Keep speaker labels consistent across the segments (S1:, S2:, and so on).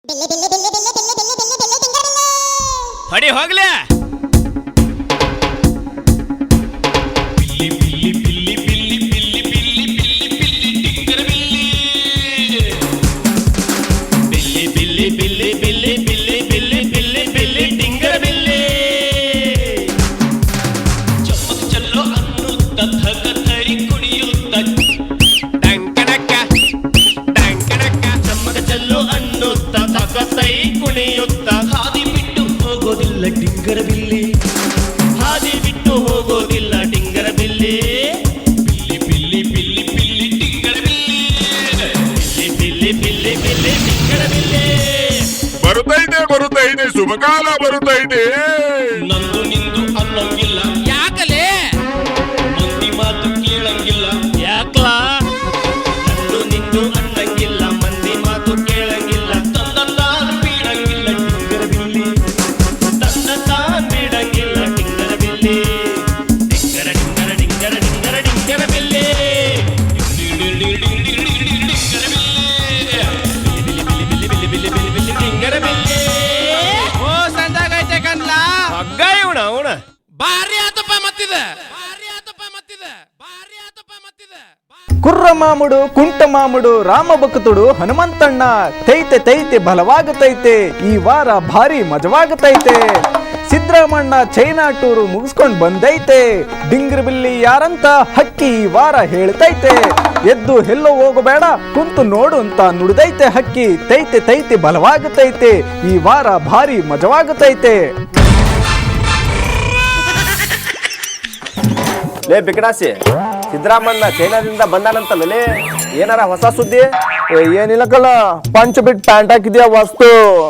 S1: ಹೊಡಿ ಹೋಗ್ಲೇ
S2: ಬರುತ್ತೈತೆ ಶುಭಕಾಲ ಬರುತ್ತೈತೆ
S3: ನಂದು ನಿಂದು ಅನ್ನಂಗಿಲ್ಲ
S1: ಯಾಕಲೇ
S3: ಮಂದಿ ಮಾತು ಕೇಳಂಗಿಲ್ಲ
S1: ಯಾಕಲ
S3: ನಂದು ನಿಂದು ಅನ್ನಂಗಿಲ್ಲ ಮಂದಿ ಮಾತು ಕೇಳಂಗಿಲ್ಲ ತಂದ ತಾನ್ ಬೀಡಂಗಿಲ್ಲ ಟಿಂಗರ ಬಿಲ್ಲಿ ತಂದ ತಾನ್ ಬೀಡಂಗಿಲ್ಲ ಟಿಂಗರ ಬಿಲ್ಲಿ ಟಿಂಗರ ಟಿಂಗರ ಟಿಂಗರ ಟಿಂಗರ ಟಿಂಗರ ಬಿಲ್ಲಿ ಟಿಂಗರ ಬಿಲ್ಲಿ
S1: ಓ ಸಂಜಾಗೈತೆ ಕನ್ಲ
S3: ಹಗ್ಗ ಇವಣ ಅವಣ
S1: ಭಾರಿ ಆತಪ್ಪ ಮತ್ತಿದೆ
S4: ಕುರ್ರ ಮಾಮುಡು ಕುಂಟ ಮಾಮುಡು ರಾಮ ಭಕ್ತುಡು ಹನುಮಂತಣ್ಣ ತೈತೆ ತೈತೆ ಬಲವಾಗುತ್ತೈತೆ ಈ ವಾರ ಭಾರಿ ಮಜವಾಗುತ್ತೈತೆ ಸಿದ್ದರಾಮಣ್ಣ ಚೈನಾ ಟೂರು ಮುಗಿಸ್ಕೊಂಡ್ ಬಂದೈತೆ ಡಿಂಗ್ರ ಬಿಲ್ಲಿ ಯಾರಂತ ಹಕ್ಕಿ ಈ ವಾರ ಹೇಳ್ತೈತೆ ಎದ್ದು ಎಲ್ಲೋ ಹೋಗಬೇಡ ಕುಂತು ನೋಡು ಅಂತ ನುಡಿದೈತೆ ಹಕ್ಕಿ ತೈತೆ ತೈತೆ ಬಲವಾಗುತ್ತೈತೆ ಈ ವಾರ ಭಾರಿ ಮಜವಾಗುತ್ತೈತೆ.
S5: ಲೇ ಬಿಕಡಾಸಿ ಸಿದ್ದರಾಮಣ್ಣ ಚೈನಾದಿಂದ ಬಂದಾನಂತಲ್ಲೇ ಏನಾರ ಹೊಸ ಸುದ್ದಿ?
S4: ಏನಿಲ್ಲಕಲ್ಲ ಪಂಚ ಬಿಟ್ ಪ್ಯಾಂಟ್ ಹಾಕಿದ್ಯಾ ವಸ್ತು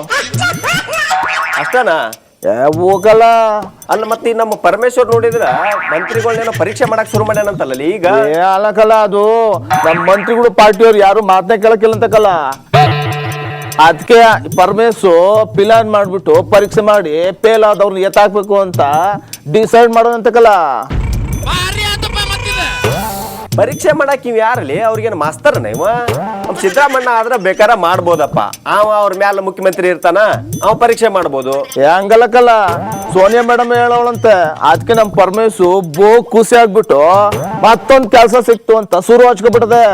S5: ಅಷ್ಟನಾ?
S4: ಹೋಗಲ್ಲ
S5: ಅಲ್ಲ ಮತ್ತೆ ನಮ್ಮ ಪರಮೇಶ್ವರ್ ನೋಡಿದ್ರ ಮಂತ್ರಿಗಳನ್ನೇನೋ ಪರೀಕ್ಷೆ ಮಾಡಕ್ ಶುರು ಮಾಡ್ಯಾನಂತಲ್ಲ ಈಗ.
S4: ಅಲ್ಲಕಲ್ಲ ಅದು ನಮ್ಮ ಮಂತ್ರಿಗಳು ಪಾರ್ಟಿಯವ್ರು ಯಾರು ಮಾತನ್ನ ಕೇಳಕ್ಕಿಲ್ಲ ಅಂತಕಲ್ಲ ಅದಕ್ಕೆ ಪರಮೇಶು ಪ್ಲಾನ್ ಮಾಡ್ಬಿಟ್ಟು ಪರೀಕ್ಷೆ ಮಾಡಿ ಫೇಲ್ ಆದವ್ರನ್ನ ಎತ್ತಾಕ್ಬೇಕು ಅಂತ ಡಿಸೈಡ್ ಮಾಡೋದಂತಕಲ್ಲ.
S1: ಭಾರಿ ಆತಪ್ಪ ಮತ್ತಿದೆ
S5: ಪರೀಕ್ಷೆ ಮಾಡಕ್ ಇವ್ ಯಾರಲ್ಲಿ? ಅವ್ರಿಗೇನು ಮಾಸ್ತರ್ನ ಇವ? ನಮ್ ಸಿದ್ದರಾಮಣ್ಣ ಆದ್ರ ಬೇಕಾರ ಮಾಡ್ಬೋದಪ್ಪ. ಅವ ಅವ್ರ ಮ್ಯಾಲ ಮುಖ್ಯಮಂತ್ರಿ ಇರ್ತಾನ, ಅವ ಪರೀಕ್ಷೆ ಮಾಡ್ಬೋದು.
S4: ಹಂಗಲ್ಲಕಲ್ಲ ಸೋನಿಯಾ ಮೇಡಮ್ ಹೇಳೋಳಂತೆ ಅದಕ್ಕೆ ನಮ್ ಪರಮೇಶು ಖುಷಿ ಆಗ್ಬಿಟ್ಟು ಮತ್ತೊಂದ್ ಕೆಲ್ಸ ಸಿಕ್ತು ಅಂತ ಶುರು ಹಚ್ಕೊಬಿಟ್ಟದೆ.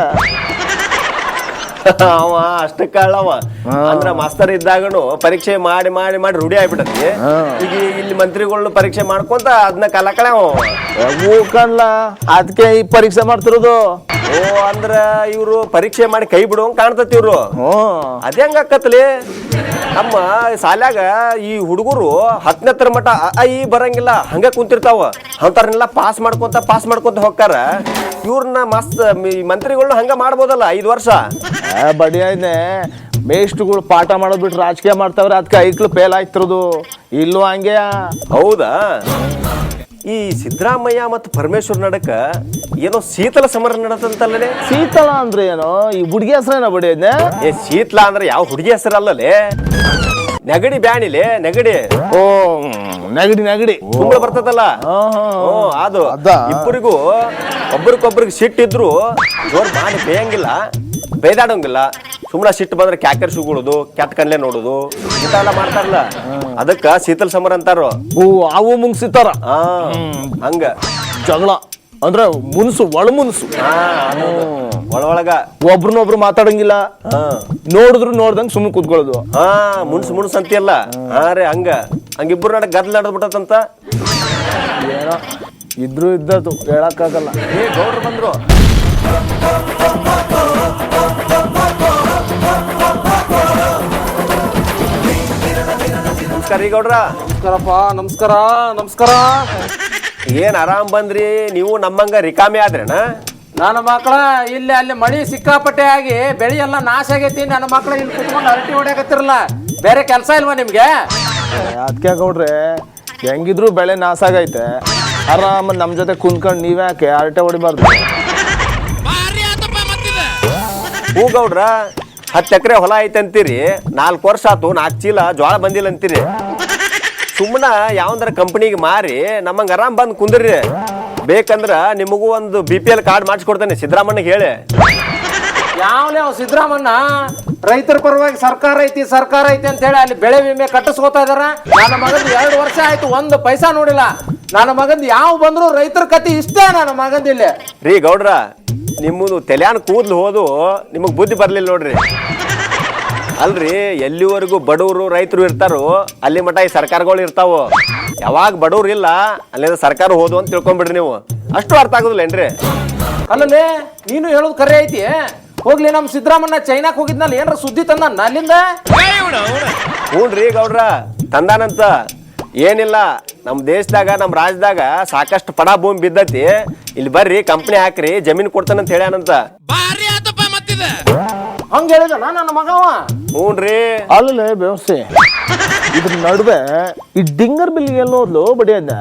S5: ಅವ ಅಷ್ಟಕ್ಕಳ್ಳವ ಅಂದ್ರ ಮಾಸ್ತರ್ ಇದ್ದಾಗನು ಪರೀಕ್ಷೆ ಮಾಡಿ ಮಾಡಿ ಮಾಡಿ ರೂಢಿ ಆಗ್ಬಿಟ್ಟತಿ. ಈಗ ಇಲ್ಲಿ ಮಂತ್ರಿಗಳನ್ನ ಪರೀಕ್ಷೆ ಮಾಡ್ಕೊಂತ ಅದನ್ನ ಕಲಕಳೆ
S4: ಕಣ್ಲ ಅದಕ್ಕೆ ಈ ಪರೀಕ್ಷೆ ಮಾಡ್ತಿರೋದು.
S5: ಓ ಅಂದ್ರ ಇವ್ರು ಪರೀಕ್ಷೆ ಮಾಡಿ ಕೈ ಬಿಡುವಂಗ ಕಾಣ್ತತಿ ಇವ್ರು. ಅದ ಹೆಂಗ ಆಕತ್ಲಿ? ನಮ್ಮ ಶಾಲ್ಯಾಗ ಈ ಹುಡುಗರು 10ನೇ ತರ ಮಟ್ಟ ಈ ಬರಂಗಿಲ್ಲ ಹಂಗ ಕುಂತಿರ್ತಾವ. ಅಂತಾರನ್ನೆಲ್ಲ ಪಾಸ್ ಮಾಡ್ಕೊಂತ ಹೋಗ್ತಾರ. ಇವ್ರನ್ನ ಮಸ್ತ್ ಮಂತ್ರಿಗಳನ್ನ ಹಂಗ ಮಾಡ್ಬೋದಲ್ಲ 5 ವರ್ಷ.
S4: ಬಡಿಯಾಯ್ನೆ ಮೇಷ್ಟ್ರುಗಳು ಪಾಠ ಮಾಡೋದ್ ಬಿಟ್ಟು ರಾಜಕೀಯ ಮಾಡ್ತಾವ್ರೆ ಅದಕ್ಕೆ ಐಕ್ಳು ಫೇಲ್ ಆಯ್ತಿರೋದು. ಇಲ್ಲೂ ಹಂಗೆ.
S5: ಹೌದಾ? ಈ ಸಿದ್ದರಾಮಯ್ಯ ಮತ್ತು ಪರಮೇಶ್ವರ್ ನಡಕ ಏನೋ ಶೀತಲ ಸಮರ ನಡತಂತಲ್ಲೇ.
S4: ಶೀತಳ ಅಂದ್ರೆ ಏನೋ ಈ ಹುಡುಗಿ ಹೆಸರೇನ ಬಡಿಯಾಯ್ನೆ?
S5: ಏ ಶೀತಲ ಅಂದ್ರೆ ಯಾವ ಹುಡುಗಿ ಹೆಸರಲ್ಲೇ, ನೆಗಡಿ ಬ್ಯಾಣಿಲೆ ನೆಗಡಿ.
S4: ಓ ನೆಗಡಿ
S5: ಕುಂಬಳ ಬರ್ತದಲ್ಲ ಅದು. ಇಬ್ಬರಿಗೂ ಒಬ್ರಿಗೊಬ್ರಿಗೆ ಸಿಟ್ಟಿದ್ರು ಜೋರ್ ಮಾಡಿ ಬೇಯಂಗಿಲ್ಲ, ಬೇದಾಡಂಗಿಲ್ಲ. ಸುಮ್ಮನೆ ಸಿಟ್ಟು ಬಂದ್ರೆ ಕ್ಯಾಕರ್ ಸುಗುಳುದು, ಕೆಟ್ಟ ಕಣ್ಲೆ ನೋಡುದು ಇಂಥವೆಲ್ಲ ಮಾಡ್ತಾರಲ್ಲ, ಅದಕ್ಕ ಶೀತಲ ಸಮರ ಅಂತಾರ.
S4: ಓ ಅವು ಮುನ್ಸಿತಾರ
S5: ಹಂಗ
S4: ಜಗಳ ಅಂದ್ರೆ ಮುನ್ಸು ಒಳ ಮುನ್ಸು.
S5: ಒಳಗ
S4: ಒಬ್ರನ್ನೊಬ್ರು ಮಾತಾಡಂಗಿಲ್ಲ, ನೋಡ್ದಂಗ್ ಸುಮ್ಮನೆ ಕೂತ್ಕೊಳ್ಳೋದು.
S5: ಮುನ್ಸು ಅಂತೀಯಲ್ಲ. ಹಾ ರೀ ಹಂಗಿಬ್ರು ನಡ ಗದ್ಲ ನಡೆದ್ಬಿಟ್ಟಂತ.
S4: ಏನೋ ಇದ್ರು ಇದ್ದದ್ದು ಹೇಳಕ್ಕಾಗಲ್ಲ.
S5: ಏ ಗೌಡ್ರು ಬಂದ್ರು. ನಮಸ್ಕಾರ ರೀ ಗೌಡ್ರ.
S6: ನಮಸ್ಕಾರಪ್ಪ. ನಮಸ್ಕಾರ.
S5: ಏನ್ ಆರಾಮ್ ಬಂದ್ರಿ ನೀವು? ನಮ್ಮಂಗ ರಿಕಾಮಿ ಆದ್ರೇನ?
S6: ನನ್ನ ಮಕ್ಕಳ ಇಲ್ಲಿ ಅಲ್ಲಿ ಮಳಿ ಸಿಕ್ಕಾಪಟ್ಟೆ ಆಗಿ ಬೆಳಿ ಎಲ್ಲ ನಾಶ ಆಗೈತಿ. ನನ್ನ ಮಕ್ಕಳು ಇಲ್ಲಿ ಕುತ್ಕೊಂಡು ಅರಟಿ ಹೊಡ್ಯಾಕತ್ತಿರಲ್ಲ, ಬೇರೆ ಕೆಲಸ ಇಲ್ವಾ ನಿಮ್ಗೆ?
S4: ಅದಕ್ಕೆ ಗೌಡ್ರೆ ಹೆಂಗಿದ್ರು ಬೆಳೆ ನಾಶ ಆಗೈತೆ, ಆರಾಮ ನಮ್ ಜೊತೆ ಕುಂತ್ಕೊಂಡು ನೀವ್ಯಾಕೆ ಅರಟೆ ಹೊಡಿಬಾರ್ದು?
S1: ಭಾರಿ ಆತಪ್ಪ ಮತ್ತಿದೆ
S5: ಹೂ ಗೌಡ್ರ 10 ಎಕರೆ ಹೊಲ ಐತೆ ಅಂತೀರಿ, 4 ವರ್ಷ ಆತು 4 ಚೀಲ ಜೋಳ ಬಂದಿಲ್ಲ ಅಂತೀರಿ. ಸುಮ್ಮನ ಯಾವಂದ್ರ ಕಂಪನಿಗೆ ಮಾರಿ ನಮ್ಮಂಗ ಆರಾಮ್ ಬಂದ್ ಕುಂದ್ರಿ. ಬೇಕಂದ್ರ ನಿಮಗೂ ಒಂದು BPL ಕಾರ್ಡ್ ಮಾಡಿಸ್ಕೊಡ್ತೇನೆ ಸಿದ್ದರಾಮಣ್ಣಗೆ ಹೇಳಿ.
S6: ಯಾವ್ಲೇ ಅವ್ ಸಿದ್ದರಾಮಣ್ಣ ರೈತರ ಪರವಾಗಿ ಸರ್ಕಾರ ಐತಿ ಅಂತ ಹೇಳಿ ಅಲ್ಲಿ ಬೆಳೆ ವಿಮೆ ಕಟ್ಟಿಸ್ಕೋತಾ ಇದಾರ. ನನ್ನ ಮಗಂದು 2 ವರ್ಷ ಆಯ್ತು, 1 ಪೈಸಾ ನೋಡಿಲ್ಲ. ನನ್ನ ಮಗಂದು ಯಾವ ಬಂದ್ರು ರೈತರ ಕತಿ ಇಷ್ಟೇ ನನ್ನ ಮಗಂದ ಇಲ್ಲಿ.
S5: ರೀ ಗೌಡ್ರ, ನಿಮ್ಮದು ತೆಲ್ಯಾನ್ ಕೂದ್ಲು ಹೋದು ನಿಮಗ್ ಬುದ್ಧಿ ಬರ್ಲಿಲ್ಲ ನೋಡ್ರಿ. ಅಲ್ರಿ, ಎಲ್ಲಿವರೆಗೂ ಬಡವರು ರೈತರು ಇರ್ತಾರೋ ಅಲ್ಲಿ ಮಟ ಈ ಸರ್ಕಾರಗಳು ಇರ್ತಾವ. ಯಾವಾಗ ಬಡವ್ರು ಇಲ್ಲ ಅಲ್ಲಿಂದ ಸರ್ಕಾರ ಹೋದು ಅಂತ ತಿಳ್ಕೊಂಡ್ಬಿಡ್ರಿ ನೀವು. ಅಷ್ಟು ಅರ್ಥ ಆಗುದಿಲ್ಲೇನ್ರಿ?
S6: ಅಲ್ಲಲ್ಲೇ ನೀನು ಹೇಳೋದು ಕರೆ ಐತಿ. ಹೋಗ್ಲಿ, ನಮ್ ಸಿದ್ದರಾಮಣ್ಣ ಚೈನಾಕ್ ಹೋಗಿದ್ನಲ್ಲ, ಏನ್ರ ಸುದ್ದಿ ತಂದ ಅಲ್ಲಿಂದ?
S5: ಹ್ಞೂನ್ರಿ ಗೌಡ್ರ, ತಂದಾನಂತ. ಏನಿಲ್ಲ, ನಮ್ಮ ದೇಶದಾಗ ನಮ್ಮ ರಾಜ್ಯದಾಗ ಸಾಕಷ್ಟು ಪಡ ಭೂಮಿ ಬಿದ್ದತಿ, ಇಲ್ಲಿ ಬರ್ರಿ ಕಂಪ್ನಿ ಹಾಕ್ರಿ ಜಮೀನ್ ಕೊಡ್ತಾನಂತ ಹೇಳ್ಯಾನಂತ.
S1: ಭಾರಿ ಆತಪ್ಪ ಮತ್ತಿದೆ.
S6: ಹಂಗ ಹೇಳಿದಲ್ಲ ನನ್ನ ಮಗವ.
S5: ಹ್ಞೂನ್ರಿ.
S7: ಅಲ್ಲೇ ವ್ಯವಸ್ಥೆ ಇದ್ರ ನಡುವೆ ಈ ಡಿಂಗರ್ ಬಿಲ್ ಎಲ್ಲೋದ್ಲು ಬಡಿಯನ್ನ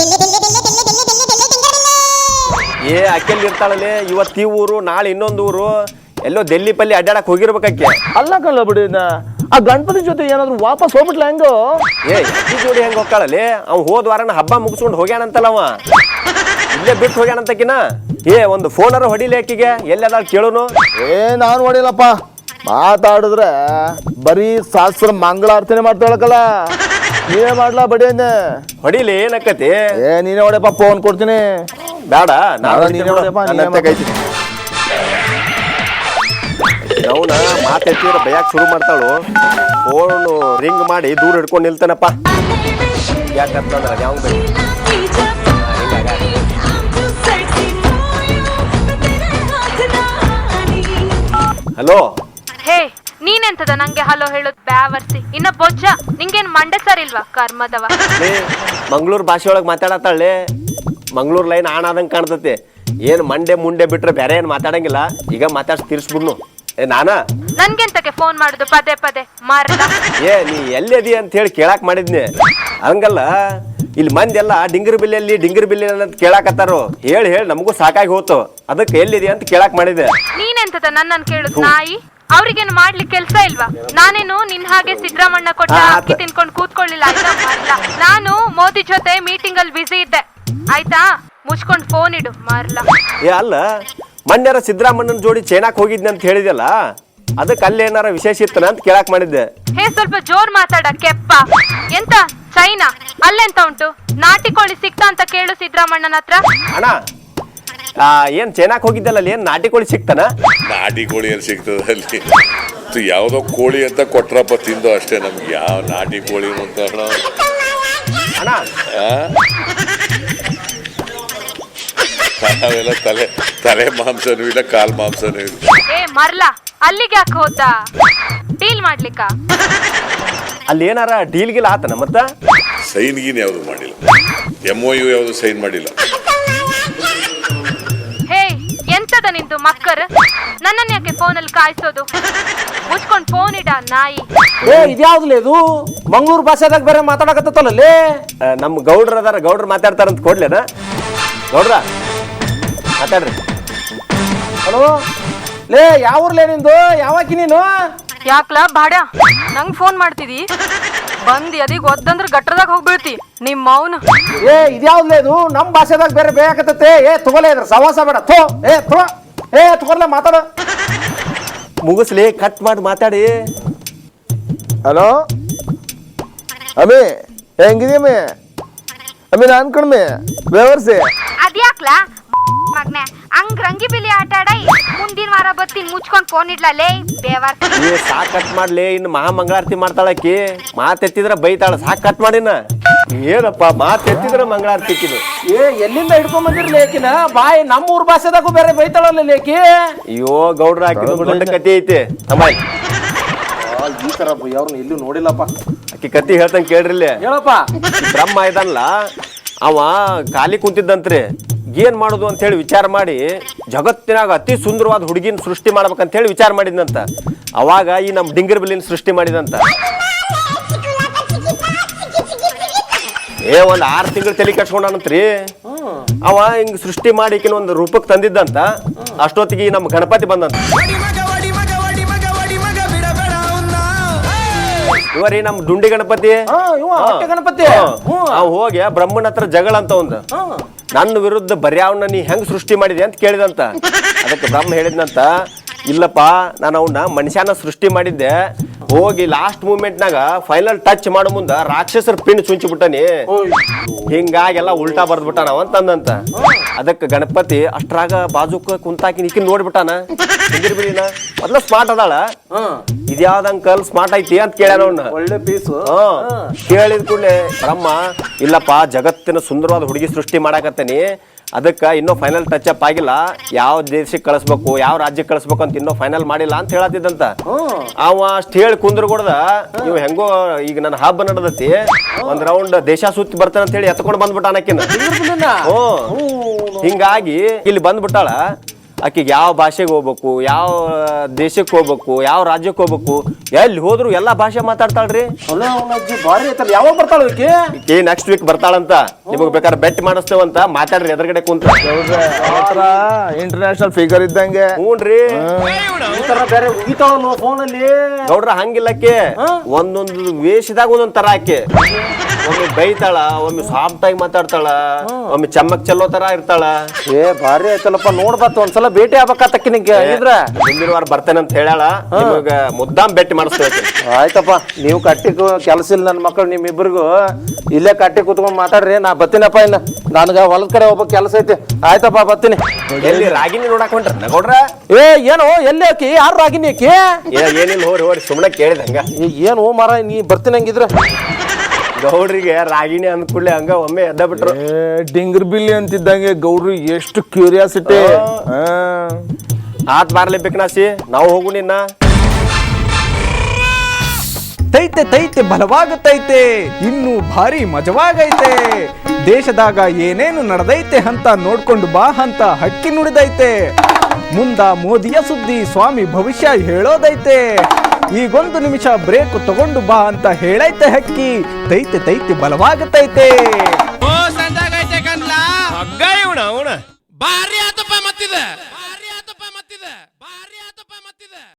S5: ಅಕ್ಕೆಲ್ಲಿ ಇರ್ತಾಳಲ್ಲಿ, ಇವತ್ತು ಈ ಊರು ನಾಳೆ ಇನ್ನೊಂದು ಊರು, ಎಲ್ಲೋ ಡೆಲ್ಲಿ ಪಲ್ಲಿ ಅಡ್ಡಾಡಕ್ ಹೋಗಿರ್ಬೇಕಕ್ಕೆ.
S7: ಅಲ್ಲ ಕಲ್ಲ ಬಡಿಯನ್ನ ಆ ಗಣಪತಿ ಜೊತೆ ಏನಾದ್ರು ವಾಪಸ್ ಹೋಗ್ಬಿಟ್ಲ ಹೆಂಗೋ?
S5: ಅಕ್ಕಿ ಜೋಡಿ ಹೆಂಗ್ ಹೋಗ್ತಾಳಲ್ಲಿ? ಅವ್ ಹೋದ್ ವಾರನ ಹಬ್ಬ ಮುಗಿಸ್ಕೊಂಡು ಹೋಗ್ಯಾನಂತಲ್ಲ ಅವ, ಇಲ್ಲೇ ಬಿಟ್ಟು ಹೋಗ್ಯಾನಂತಕಿನ. ಒಂದು ಫೋನರ ಹೊಡಿಲಿ ಅಕ್ಕಿಗೆ, ಎಲ್ಲದ ಕೇಳುನು.
S7: ನಾನು ಹೊಡಿಲಪ್ಪ, ಮಾತಾಡಿದ್ರೆ ಬರೀ ಶಾಸ್ತ್ರ ಮಂಗಳಾರ್ತನೆ ಮಾಡ್ತಾಳಕಲ್ಲ. ನೀವೇ ಮಾಡ್ಲಾ ಬಡಿಯನ್ನ?
S5: ಹೊಡಿಲಿ, ಏನಕ್ಕತಿ?
S7: ನೀನೇ ಹೊಡೆಯಪ್ಪ, ಫೋನ್ ಕೊಡ್ತೀನಿ.
S5: ಬೇಡ,
S7: ನೀನೇ ಹೊಡೆಯಪ್ಪ.
S5: ಅವನ ಮಾತೆತ್ತಿದ್ರೆ ಬಯಕ್ ಶುರು ಮಾಡ್ತಾಳು. ಫೋನು ರಿಂಗ್ ಮಾಡಿ ದೂರ ಹಿಡ್ಕೊಂಡು ನಿಲ್ತಾನಪ್ಪ. ಯಾಕಂತಂದ್ರೆ ಯಾವ ಹಲೋ.
S8: ಹೇ, ನೀನೆಂತದ ನಂಗೆ ಹಲೋ ಹೇಳೋದ್ ಬ್ಯಾವರ್ಸಿ? ಇನ್ನ ಬೊಜ್ಜ ನಿಂಗೇನ್ ಮಂಡೆ ಸರ್ ಇಲ್ವಾ ಕರ್ಮದವ?
S5: ಮಂಗ್ಳೂರ್ ಭಾಷೆ ಒಳಗ್ ಮಾತಾಡತ್ತಾಳೆ. ಮಂಗ್ಳೂರ್ ಲೈನ್ ಆಣಾದಂಗ್ ಕಾಣ್ತತಿ. ಏನ್ ಮಂಡೆ ಮುಂಡೆ ಬಿಟ್ರೆ ಬೇರೆ ಏನ್ ಮಾತಾಡಂಗಿಲ್ಲ. ಈಗ ಮಾತಾಡ್ಸಿ ತೀರ್ಸ್ಬಿಡ್ನು.
S8: ನನ್ಗೆಂತಕ್ಕೆ ಫೋನ್ ಮಾಡುದು ಪದೇ ಪದೇ ಮಾರ್ಲ?
S5: ನೀ ಎಲ್ಲಿದಿ ಅಂತ ಹೇಳಿ ಕೇಳಾಕ್ ಮಾಡಿದ್ನಿ. ಹಂಗಲ್ಲ, ಇಲ್ಲಿ ಮಂದಿ ಎಲ್ಲ ಡಿಂಗರ್ ಬಿಲ್ಲಿ ಅಂತ ಕೇಳಾಕತ್ತಾರು. ಹೇಳಿ ನಮಗೂ ಸಾಕಾಗಿ ಹೋತು. ಅದಕ್ಕೆ ಎಲ್ಲಿದೆ ಅಂತ ಕೇಳಾಕ್ ಮಾಡಿದೆ.
S8: ನೀನೆಂತದ ನನ್ನನ್ ಕೇಳುದು ನಾಯಿ? ಅವ್ರಿಗೇನು ಮಾಡ್ಲಿಕ್ಕೆ ಕೆಲ್ಸ ಇಲ್ವಾ? ನಾನೇನು ನಿನ್ ಹಾಗೆ ಸಿದ್ದರಾಮಣ್ಣ ಕೊಟ್ಟ ಅಕ್ಕಿ ತಿನ್ಕೊಂಡು ಕೂತ್ಕೊಳ್ಳಿಲ್ಲ ಆಯ್ತಾ ಮಾರ್ಲ. ನಾನು ಮೋದಿ ಜೊತೆ ಮೀಟಿಂಗ್ ಅಲ್ಲಿ ಬಿಸಿ ಇದ್ದೆ ಆಯ್ತಾ. ಮುಚ್ಕೊಂಡ್ ಫೋನ್ ಇಡು ಮಾರ್ಲ.
S5: ಅಲ್ಲ, ಮೊನ್ನೆರ ಸಿದ್ದರಾಮಣ್ಣನ ಜೋಡಿ ಚೈನಾಕ್ ಹೋಗಿದ್ನಿ ಅಂತ ಹೇಳಿದಲ್ಲ, ಅದಕ್ಕೆ ಅಲ್ಲಿ ಏನಾರ ವಿಶೇಷ ಇತ್ತನ ಅಂತ ಕೇಳಾಕ್ ಮಾಡಿದ್ದೆ.
S8: ಹೇ, ಸ್ವಲ್ಪ ಜೋರ್ ಮಾತಾಡ ಕೆಪ್ಪ. ಎಂತ ಚೈನಾ? ಅಲ್ಲೆಂತ ಉಂಟು? ನಾಟಿ ಕೋಳಿ ಸಿಕ್ತಾ ಅಂತ ಕೇಳು ಸಿದ್ದರಾಮಣ್ಣನ ಹತ್ರ.
S5: ಅಣ್ಣ, ಏನ್ ಚೈನಾಕ್ ಹೋಗಿದ್ದಲ್ಲ, ಅಲ್ಲಿ ಏನ್ ನಾಟಿ ಕೋಳಿ ಸಿಕ್ತಾನ?
S2: ನಾಟಿ ಕೋಳಿ ಏನ್ ಸಿಗ್ತದ ಅಲ್ಲಿ? ಯಾವ್ದೋ ಕೋಳಿ ಅಂತ ಕೊಟ್ರಪ್ಪ, ತಿಂದು ಅಷ್ಟೇ. ನಮ್ಗೆ ಯಾವ ನಾಟಿ ಕೋಳಿ ಅಂತ
S5: ಅಣ್ಣ,
S2: ನಾವೆಲ್ಲ ತಲೆ ಮಾಂಸನೂ ಇಲ್ಲ, ಕಾಲ್ ಮಾಂಸನೂ ಇಲ್ಲ.
S8: ಮರ್ಲಾ, ಅಲ್ಲಿಗೆ ಯಾಕೆ ಹೋದ? ಡೀಲ್ ಮಾಡ್ಲಿಕ್ಕ?
S5: ಅಲ್ಲಿ ಏನಾರ ಡೀಲ್ ಗಿಲ್ ಆತನ? ಮತ್ತ
S2: ಸೈನ್ ಗೀನ್ ಯಾವ್ದು ಮಾಡಿಲ್ಲ, MOU ಯಾವ್ದು ಸೈನ್ ಮಾಡಿಲ್ಲ.
S8: ಹೇ, ಎಂತದ ನಿಂದು ಮಕ್ಕರ್? ನನ್ನನ್ನ ಯಾಕೆ ಫೋನಲ್ಲಿ ಕಾಯಿಸೋದು? ಮುಚ್ಕೊಂಡ್ ಫೋನ್ ಇಡ ನಾಯಿ.
S6: ಇದ್ಯಾವ್ದು ಇದು? ಮಂಗ್ಳೂರ್ ಭಾಷೆದಾಗ ಬೇರೆ ಮಾತಾಡಕತ್ತಲ್ಲೇ.
S5: ನಮ್ ಗೌಡ್ರ ಅದಾರ, ಗೌಡ್ರ ಮಾತಾಡ್ತಾರಂತ ಕೊಡ್ಲೇನ? ಗೌಡ್ರ ಮಾತಾಡ್ರಿ.
S6: ಹಲೋ ಲೇ, ಯಾವೂರ್ಲೇ ನಿಂದು? ಯಾವಾಕಿ ನೀನು?
S8: ಯಾಕ್ಲ ಬಾಡ ನಂಗ್ ಫೋನ್ ಮಾಡ್ತಿದಿ? ಬಂದಿ ಅದೀಗ ಒದ್ದಂದ್ರ ಗಟ್ರದಾಗ ಹೋಗ್ಬೀಳ್ತಿ ನಿಮ್ಮ ಮೌನ.
S6: ಇದ್ಯಾವ್ದು ಇದು? ನಮ್ ಭಾಷೆದಾಗ ಬೇರೆ ಬೇಕತ್ತೆ. ತಗೋಲೇ ಇದ್ರ ಸವಾಸ ಬೇಡ. ತಗೋರ್ಲೆ ಮಾತಾಡ.
S5: ಮುಗಿಸ್ಲಿ, ಕಟ್ ಮಾಡಿ ಮಾತಾಡಿ.
S7: ಹಲೋ ಅಮ್ಮಿ, ಹೆಂಗಿದ್ಯಮ್ಮಿ? ಅಮ್ಮಿ, ನಾನ್ ಕಣ್ಮಿ ಬೇವರ್ಸಿ.
S8: ಅದ್ಯಾಕ್ಲಾ ಮಗ್ನೆ ಹಂಗ್ ರಂಗಿ ಬಿಲಿ ಆಟ ಆಡ? ಮುಂದಿನ ವಾರ ಬತ್ತೀನಿ, ಮುಚ್ಕೊಂಡ್ ಫೋನ್ ಇಡ್ಲೇ ಬೇವಾರ್.
S5: ಸಾಕ್ ಕಟ್ ಮಾಡ್ಲಿ. ಇನ್ನು ಮಹಾಮಂಗಳಾರತಿ ಮಾಡ್ತಾಳಕಿ. ಮಾತೆತ್ತಿದ್ರ ಬೈತಾಳ. ಸಾಕ್ ಕಟ್ ಮಾಡಿನ. ಏನಪ್ಪ, ಮಾತೆತ್ತಿದ್ರ ಮಂಗಳಾರತಿ ಕಿದು.
S6: ಎಲ್ಲಿಂದ ಹಿಡ್ಕೊಂಡ್ ಬಂದಿರ್ಲಿ ಆಕಿನ? ಬಾಯಿ ನಮ್ಮೂರ್ ಭಾಷೆದಾಗೂ ಬೇರೆ ಬೈತಾಳಲ್ಲ ಲೇಕಿ.
S5: ಅಯ್ಯೋ ಗೌಡ್ರ, ಹಾಕಿದ ದೊಡ್ಡ ಕತಿ ಐತಿ ತಮ್ಮ.
S6: ಈ ತರ ಅವ್ರನ್ನ ಎಲ್ಲೂ ನೋಡಿಲ್ಲಪ್ಪ.
S5: ಆಕಿ ಕತಿ ಹೇಳ್ತಂಗ ಕೇಳ್ರಿಲ್ಲ.
S6: ಹೇಳಪ್ಪ.
S5: ಬ್ರಹ್ಮ ಇದನ್ಲ, ಅವ ಖಾಲಿ ಕುಂತಿದ್ದಂತ್ರಿ. ಏನ್ ಮಾಡುದು ಅಂತ ಹೇಳಿ ವಿಚಾರ ಮಾಡಿ ಜಗತ್ತಿನಾಗ ಅತಿ ಸುಂದರವಾದ ಹುಡುಗಿನ ಸೃಷ್ಟಿ ಮಾಡ್ಬೇಕಂತ ಹೇಳಿ ವಿಚಾರ ಮಾಡಿದ್ನಂತ. ಅವಾಗ ಈ ನಮ್ ಡಿಂಗರ್ ಬಿಲ್ಲಿನ ಸೃಷ್ಟಿ ಮಾಡಿದಂತ. ಒಂದ್ 6 ತಿಂಗಳು ತಲೆ ಕಟ್ಸ್ಕೊಂಡಂತ್ರಿ. ಅವ ಹಿಂಗ್ ಸೃಷ್ಟಿ ಮಾಡಿ ಒಂದು ರೂಪಕ್ಕೆ ತಂದಿದ್ದಂತ. ಅಷ್ಟೊತ್ತಿಗೆ ನಮ್ ಗಣಪತಿ ಬಂದಂತ. ಇವರಿ ನಮ್ ದುಂಡಿ ಗಣಪತಿ.
S6: ಗಣಪತಿ
S5: ಅವ್ ಹೋಗಿ ಬ್ರಹ್ಮನ ಹತ್ರ ಜಗಳ ಅಂತ ಒಂದು, ನನ್ನ ವಿರುದ್ಧ ಬರ್ಯಾವನ್ನ ನೀ ಹೆಂಗ್ ಸೃಷ್ಟಿ ಮಾಡಿದೆ ಅಂತ ಕೇಳಿದಂತ. ಅದಕ್ಕೆ ಬ್ರಹ್ಮ ಹೇಳಿದ್ನಂತ, ಇಲ್ಲಪ್ಪ ನಾನು ಅವನ್ನ ಮನುಷ್ಯನ ಸೃಷ್ಟಿ ಮಾಡಿದ್ದೆ ಹೋಗಿ ಲಾಸ್ಟ್ ಮೂಮೆಂಟ್ನಾಗ ಫೈನಲ್ ಟಚ್ ಮಾಡೋ ಮುಂದ ರಾಕ್ಷಸರ ಪಿಂಡ್ ಸುಂಚಿ ಬಿಟ್ಟನಿ ಹಿಂಗಾಗೆಲ್ಲ ಉಲ್ಟಾ ಬರ್ದ್ಬಿಟ್ಟಾನ ಅಂತಂದಂತ ಅದಕ್ಕೆ ಗಣಪತಿ ಅಷ್ಟ್ರಾಗ ಬಾಜುಕ ಕುಂತಾಕಿ ನಿಕ್ಕಿ ನೋಡ್ಬಿಟ್ಟಾನ ಬಿಳಿನ ಮೊದ್ಲ ಸ್ಮಾರ್ಟ್ ಅದಾಳ ಇದ್ಯಾವ್ದ ಅಂಕಲ್ ಸ್ಮಾರ್ಟ್ ಐತಿ ಅಂತ ಕೇಳ್ಯಾನ ಅವ್ನ
S6: ಒಳ್ಳೆ ಪೀಸು.
S5: ಕೇಳಿದ ಕೂಡಲೇ ಬ್ರಹ್ಮ ಇಲ್ಲಪ್ಪ ಜಗತ್ತಿನ ಸುಂದರವಾದ ಹುಡುಗಿ ಸೃಷ್ಟಿ ಮಾಡಾಕತ್ತೇನಿ ಅದಕ್ಕೆ ಇನ್ನೂ ಫೈನಲ್ ಟಚ್ ಅಪ್ ಆಗಿಲ್ಲ ಯಾವ ದೇಶಕ್ಕೆ ಕಳಿಸ್ಬೇಕು ಯಾವ ರಾಜ್ಯಕ್ಕೆ ಕಳಿಸ್ಬೇಕು ಅಂತ ಇನ್ನೂ ಫೈನಲ್ ಮಾಡಿಲ್ಲ ಅಂತ ಹೇಳತ್ತಿದ್ದಂತ ಅವ ಅಷ್ಟ್ ಹೇಳಿ ಕುಂದ್ರಗೊಡ್ದ ಇವ್ ಹೆಂಗೋ ಈಗ ನನ್ನ ಹಬ್ಬ ನಡೆದತಿ ಒಂದ್ ರೌಂಡ್ ದೇಶ ಸುತ್ತಿ ಬರ್ತಾನ ಅಂತ ಹೇಳಿ ಎತ್ಕೊಂಡ್ ಬಂದ್ಬಿಟ್ಟ ಅನ್ನಕಿನ ಹಿಂಗಾಗಿ ಇಲ್ಲಿ ಬಂದ್ಬಿಟ್ಟಾಳ ಆಕಿಗೆ ಯಾವ ಭಾಷೆಗೆ ಹೋಗ್ಬೇಕು ಯಾವ ದೇಶಕ್ಕೆ ಹೋಗ್ಬೇಕು ಯಾವ ರಾಜ್ಯಕ್ಕೆ ಹೋಗ್ಬೇಕು ಎಲ್ಲಿ ಹೋದ್ರು ಎಲ್ಲಾ ಭಾಷೆ ಮಾತಾಡ್ತಾಳ್ರಿ
S6: ಭಾರಿ ಐತಲ್ಲ. ಯಾವಾಗ ಬರ್ತಾಳ ಈಕಿ?
S5: ನೆಕ್ಸ್ಟ್ ವೀಕ್ ಬರ್ತಾಳಂತ ನಿಮಗ್ ಬೇಕಾದ್ರೆ ಬೆಟ್ ಮಾಡಿಸ್ತೇವಂತ ಮಾತಾಡ್ರಿ ಎದುರುಗಡೆ ಕುಂತ
S7: ಇಂಟರ್ನ್ಯಾಷನಲ್ ಫಿಗರ್ ಇದ್ದಂಗೆ.
S5: ಹ್ಞೂನ್ರಿ
S6: ಈ ತರ ಬೇರೆ ಉಗಿತಾವಲ್ಲ ಫೋನಲ್ಲಿ.
S5: ಗೌಡ್ರ ಹಂಗಿಲ್ಲಕ್ಕೆ ಒಂದೊಂದು ವೇಷದಾಗ ಒಂದೊಂದ್ ತರ ಆಕೆ ಒಮ್ಮೆ ಬೈತಾಳ ಒಮ್ಮೆ ಸಾಫ್ಟ್ ಆಗಿ ಮಾತಾಡ್ತಾಳ ಒಮ್ಮೆ ಚಮ್ಮಕ್ ಚೆಲ್ಲೋ ತರ ಇರ್ತಾಳ.
S6: ಭಾರಿ ಆಯ್ತಲ್ಲಪ್ಪ ನೋಡ್ಬಾರ್ದು ಒಂದ್ಸಲ ಭೇಟಿ ಆಗ್ಬೇಕಾತಕ್ಕಿ ನಿಂಗೆ ಇದ್ರ
S5: ಮುಂದಿನ ವಾರ ಬರ್ತೇನೆ ಅಂತ ಹೇಳಾಳ ನಿಮಗ ಮುದ್ದಾಮ್ ಭೇಟಿ ಮಾಡಿಸ್ತೇವೆ.
S6: ಆಯ್ತಪ್ಪ ನೀವು ಕಟ್ಟಿ ಕೆಲಸ ಇಲ್ಲ ನನ್ನ ಮಕ್ಕಳು ನಿಮ್ಮಿಬ್ಬರಿಗೂ ಇಲ್ಲೇ ಕಟ್ಟಿ ಕುತ್ಕೊಂಡ್ ಮಾತಾಡ್ರಿ ನಾ ಬತ್ತೀನಪ್ಪ ಇನ್ನ ನನ್ಗ ಹೊಲದ ಕಡೆ ಹೋಗ್ಬೇಕು ಕೆಲಸ ಐತಿ. ಆಯ್ತಪ್ಪ ಬತ್ತೀನಿ.
S5: ಎಲ್ಲಿ ರಾಗಿನಿ ನೋಡಕ್ ಹೊಂಟ್ರ ಗೌಡ್ರ?
S6: ಏನು ಎಲ್ಲಿ ಆಕಿ ಯಾರು ರಾಗಿನಿ ಆಕಿ?
S5: ಏನಿಲ್ಲ ಹೋರಿ ಹೋರಿ ಸುಮ್ಮನೆ ಕೇಳಿದ ಹಂಗ.
S6: ಏನು ಮಾರ ನೀ ಬರ್ತೀನಿ ಹಂಗಿದ್ರ
S5: ಗೌಡ್ರಿಗೆ ರಾಗಿಣಿ ಅಂದ್ಕೂಡ್ಲೆ ಹಂಗ ಒಮ್ಮೆ ಎದ್ದ ಬಿಟ್ರು.
S7: ಡಿಂಗರ್ ಬಿಲ್ಲಿ ಅಂತಿದ್ದಂಗೆ ಗೌಡ್ರು ಎಷ್ಟು ಕ್ಯೂರಿಯಾಸಿಟಿ.
S5: ಆತ್ ಬಾರ್ಲೇಬೇಕು ನಾಸಿ ನಾವು ಹೋಗು ನಿನ್ನ.
S4: ತೈತೆ ತೈತೆ ಬಲವಾಗತೈತೆ ಇನ್ನು ಭಾರಿ ಮಜವಾಗೈತೆ ದೇಶದಾಗ ಏನೇನು ನಡೆದೈತೆ ಅಂತ ನೋಡ್ಕೊಂಡು ಬಾ ಅಂತ ಹಕ್ಕಿ ನುಡಿದೈತೆ ಮುಂದ ಮೋದಿಯ ಸುದ್ದಿ ಸ್ವಾಮಿ ಭವಿಷ್ಯ ಹೇಳೋದೈತೆ ಈಗೊಂದು ನಿಮಿಷ ಬ್ರೇಕ್ ತಗೊಂಡು ಬಾ ಅಂತ ಹೇಳೈತೆ ಹಕ್ಕಿ ತೈತೆ ತೈತೆ ಬಲವಾಗತೈತೆ.
S1: ಓ ಸಂಜಾಗೈತೆ ಕನ್ಲ ಹಗ್ಗ ಇವಣ ಭಾರಿ ಆತಪ್ಪ ಮತ್ತಿದೆ.